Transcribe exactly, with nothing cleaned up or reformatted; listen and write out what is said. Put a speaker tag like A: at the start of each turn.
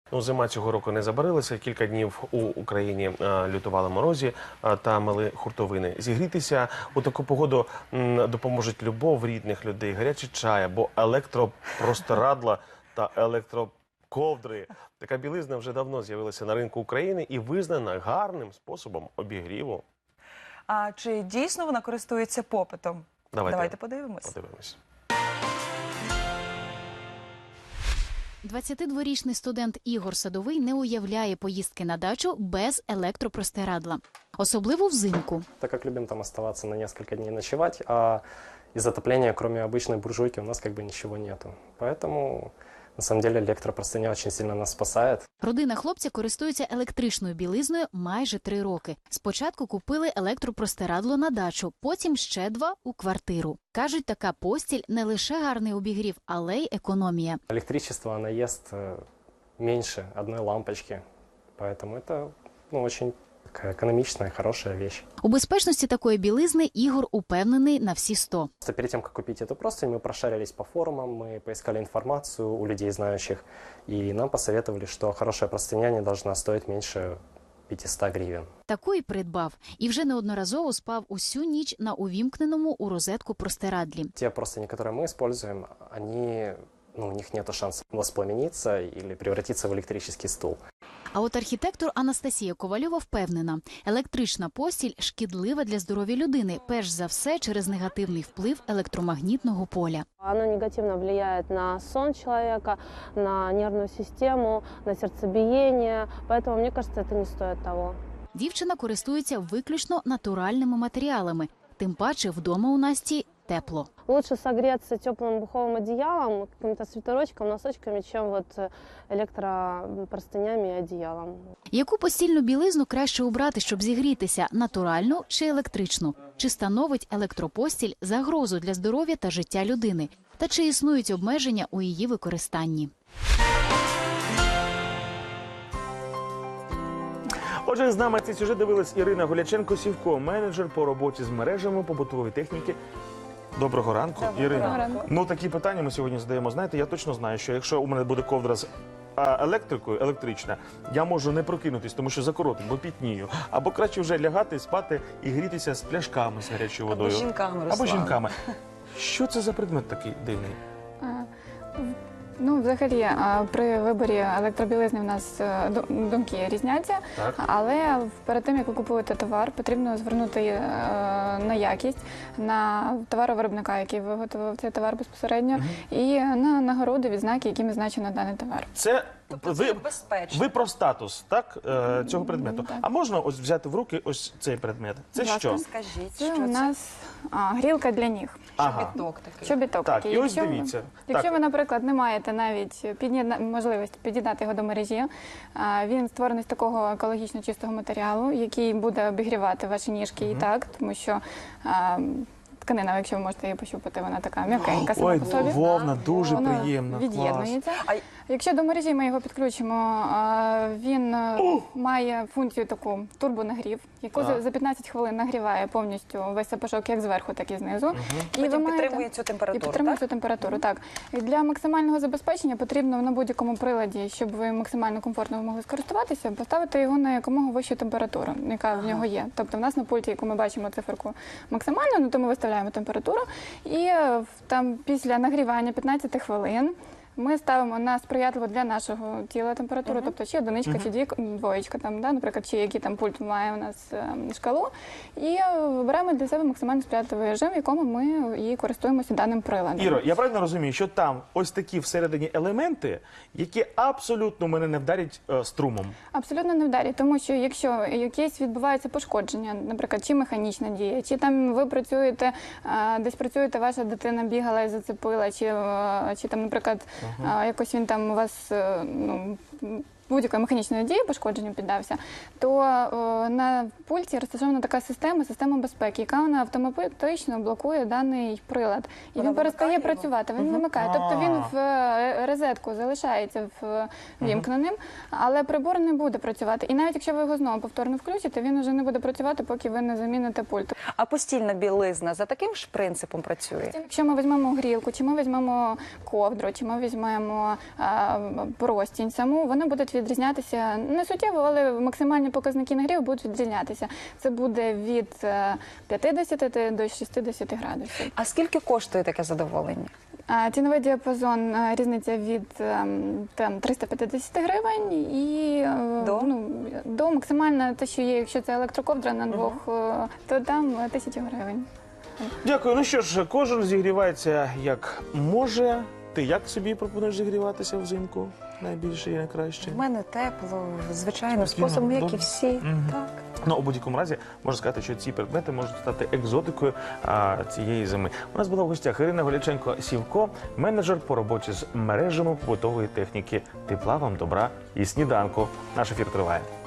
A: Ну, зима цього року не забарилася. Кілька днів у Україні а, лютували морозі а, та мели хуртовини. Зігрітися у таку погоду м, допоможуть любов рідних людей, гарячий чай або електропросторадла та електроковдри. Така білизна вже давно з'явилася на ринку України і визнана гарним способом обігріву.
B: А чи дійсно вона користується попитом?
A: Давайте,
B: Давайте подивимось.
A: подивимось.
C: двадцятидворічний студент Ігор Садовий не уявляє поїздки на дачу без електропростирадла. Особливо взимку.
D: Так как любим там оставаться на несколько дней ночевать, а из отопления, кроме обычной буржуйки, у нас как бы ничего нету. Поэтому, на самом деле, электропростыня очень сильно нас спасает.
C: Родина хлопця користується електричною білизною майже три роки. Спочатку купили електропростирадло на дачу, потім ще два у квартиру. Кажуть, така постіль не лише гарний обігрів, але й економія.
D: Электричество, оно ест э, меньше одной лампочки, поэтому это, ну, очень такая экономичная, хорошая вещь.
C: У безпечності такої білизни Ігор упевнений на всі сто.
D: Просто перед тем, как купить эту простынь, мы прошарились по форумам, мы поискали информацию у людей знающих, и нам посоветовали, что хорошая простыня не должна стоить меньше пятисот гривен.
C: Таку й придбав. І вже неодноразово спав усю ніч на увімкненому у розетку простирадлі.
D: Те простыни, которые мы используем, они, ну, у них нет шанса воспламениться или превратиться в электрический стул.
C: А от архітектор Анастасія Ковальова впевнена, електрична постіль шкідлива для здоров'я людини, перш за все через негативний вплив електромагнітного поля.
E: Оно негативно влияет на сон человека, на нервную систему, на сердцебиение, поэтому, мне кажется, это не стоит того.
C: Дівчина користується виключно натуральними матеріалами, тим паче вдома у Насті тепло.
E: Лучше согреться теплым пуховым одеялом, каким-то свитерочком, носочками, чем вот электропростынями и одеялом.
C: Яку постільну білизну краще обрати, щоб зігрітися – натуральну чи електричну? Чи становить електропостіль загрозу для здоров'я та життя людини? Та чи існують обмеження у її використанні?
A: Отже, з нами цей сюжет дивилась Ірина Голяченко-Сівко, менеджер по роботі з мережами побутової техніки. Доброго ранку, Ірина.
F: Доброго ранку.
A: Ну, такі питання ми сьогодні задаємо. Знаєте, я точно знаю, що якщо у мене буде ковдра з а, електрикою, електрична, я можу не прокинутись, тому що закоротить, бо пітнію. Або краще вже лягати, спати і грітися з пляшками з гарячою водою.
B: Або жінками,
A: Або
B: Руслан.
A: жінками. Що це за предмет такий дивний?
F: А, Ну, взагалі, а, при виборі електробілизни в нас е, ду- думки різняться,
A: Так.
F: але перед тим, як ви купуєте товар, потрібно звернути е, на якість, на товаровиробника, який виготовив цей товар безпосередньо, і на нагороди, відзнаки, якими значено даний товар.
A: Це
B: Тобто
A: ви,
B: це безпечно.
A: ви про статус, так, е, цього предмету.
F: Так.
A: А можна ось взяти в руки ось цей предмет? Це
F: Будь ласка.
A: що?
B: Скажіть,
F: Це
B: що
F: у
B: це?
F: нас а, грілка для ніг.
A: Ага.
B: Біток такий.
F: Чобіток
A: Так,
F: такий.
A: і ось
F: Якщо ви-
A: дивіться.
F: Якщо
A: Так.
F: ви, наприклад, не маєте навіть під'єдна... можливості під'єднати його до мережі, а, він створений з такого екологічно чистого матеріалу, який буде обігрівати ваші ніжки і так, тому що а, тканина, якщо ви можете її пощупати, вона така м'якенька сама
A: Ой,
F: по собі.
A: вовна, дуже
F: Воно
A: приємно. Клас.
F: від'єднується.
B: А
F: Якщо до мережі ми його підключимо, а, він е, має функцію таку турбонагрів, яку за,
A: Так.
F: за п'ятнадцять хвилин нагріває повністю весь сапожок як зверху, так і знизу. І
B: потім
F: маєте-
B: підтримує цю
F: і
B: температуру,
F: підтримує
B: так?
F: цю температуру, так. І для максимального забезпечення потрібно на будь-якому приладі, щоб ви максимально комфортно могли скористуватися, поставити його на якомога вищу температуру, яка в нього є. Тобто в нас на пульті, яку ми бачимо циферку максимально, ну, то ми виставляємо температуру. І е, в- там після нагрівання п'ятнадцять хвилин ми ставимо на сприятливу для нашого тіла температуру, тобто чи одиничка, чи дві, двоєчка, там, да, наприклад, чи який там пульт має у нас е, шкалу, і е, вибираємо для себе максимально сприятливий режим, в якому ми і користуємося даним приладом.
A: Іро, я правильно розумію, що там ось такі всередині елементи, які абсолютно мене не вдарять е, струмом.
F: Абсолютно не вдарі, тому що якщо якесь відбувається пошкодження, наприклад, чи механічна дія, чи там ви працюєте, а, десь працюєте, ваша дитина бігала і зацепила, чи, а, чи там, наприклад, а, якось він там у вас, е, ну, будь-якої механічної дії пошкодженню піддався, то о, на пульті розташована така система, система безпеки, яка вона автоматично блокує даний прилад. І
B: Вона
F: він перестає
B: вимикає його?
F: працювати, він вимикає. Тобто він в е, розетку залишається в вімкненим, але прибор не буде працювати. І навіть якщо ви його знову повторно включите, він вже не буде працювати, поки ви не заміните пульт.
B: А постільна білизна за таким ж принципом працює?
F: Якщо ми візьмемо грілку, чи ми візьмемо ковдру, чи ми візьмемо а, простінь саму, вони будуть відрізнятися не суттєво, але максимальні показники нагріву будуть відрізнятися. Це буде від е, п'ятдесят до шістдесят градусів.
B: А скільки коштує таке задоволення?
F: А ціновий діапазон е, різниця від ем, там триста п'ятдесят гривень і е,
B: До?
F: ну, до максимально те, що є, якщо це електроковдра на двох, е, то там е, тисячу гривень.
A: Дякую. Ну що ж, кожен зігрівається як може. Ти як собі пропонуєш зігріватися взимку? Найбільше і найкраще?
B: У мене тепло, звичайно,
A: Спокійно,
B: способом, як і
A: добре.
B: всі.
A: Мгм.
B: Так.
A: Ну, у будь-якому разі можна сказати, що ці предмети можуть стати екзотикою а, цієї зими. У нас була в гостях Ірина Голяченко-Сівко, менеджер по роботі з мережами побутової техніки. Тепла вам, добра і сніданку. Наш ефір триває.